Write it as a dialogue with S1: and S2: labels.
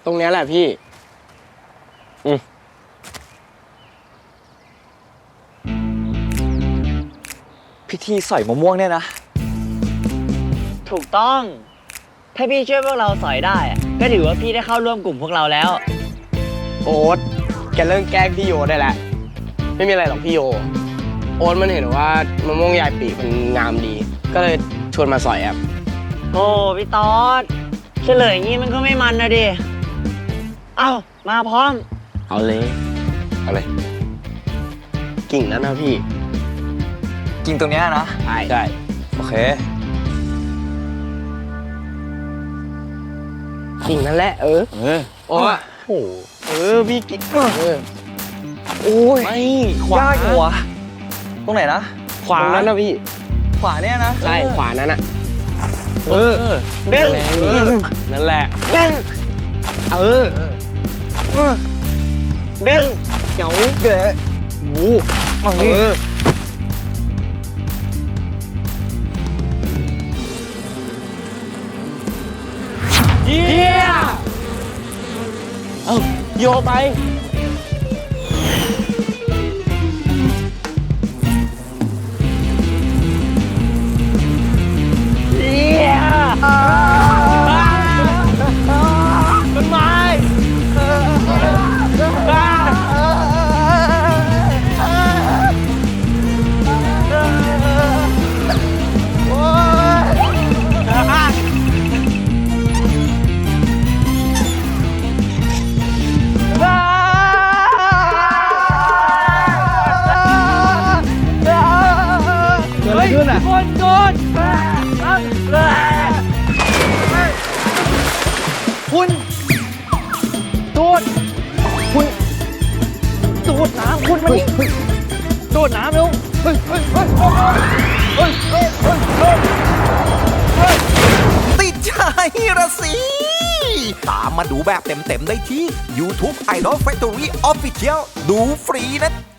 S1: ตรงนี้แหละพี่
S2: พิธีสอยมะม่วงเนี่ยนะ
S3: ถูกต้องถ้าพี่ช่วยพวกเราสอยได้ก็ถือว่าพี่ได้เข้าร่วมกลุ่มพวกเราแล้ว
S1: โอ๊ตแกเลิกแกล้งพี่โยได้แล้วไม่มีอะไรหรอกพี่โยโอ๊ตมันเห็นว่ามะม่วงยายปีมันงามดีก็เลยชวนมาสอยครับ
S3: โอ้พี่ต๊อดเฉลยอย่างงี้มันก็ไม่มันนะดิเอ้ามาพร้อม
S1: เอาเลยกิ่งนั้นนะพี่
S2: กินตรงเนี้ยนะ
S1: ใช่
S2: โอเค
S1: กิ่งนั่นแหละโอ้โหพี่กิ่ง
S2: โอ้ย
S1: ไม่ขวาย
S2: ากหัวตรงไหนนะ
S1: ขวานั้นนะพี่
S2: ขวาเนี่ยนะ
S1: ใช่ขวานั้นอ่ะ
S3: เด้ง
S1: นั่นแหละ
S3: เด้งเด้ง
S2: เจ๋วเก๋โอ้มา
S1: เยี่ยโยไปต้นไม้คนโดนคุณดูดน้ำคุณมาดิดูดน้ำเร็ว
S4: ติดใจระสิตามมาดูแบบเต็มๆได้ที่ YouTube Idol Factory Official ดูฟรีนะ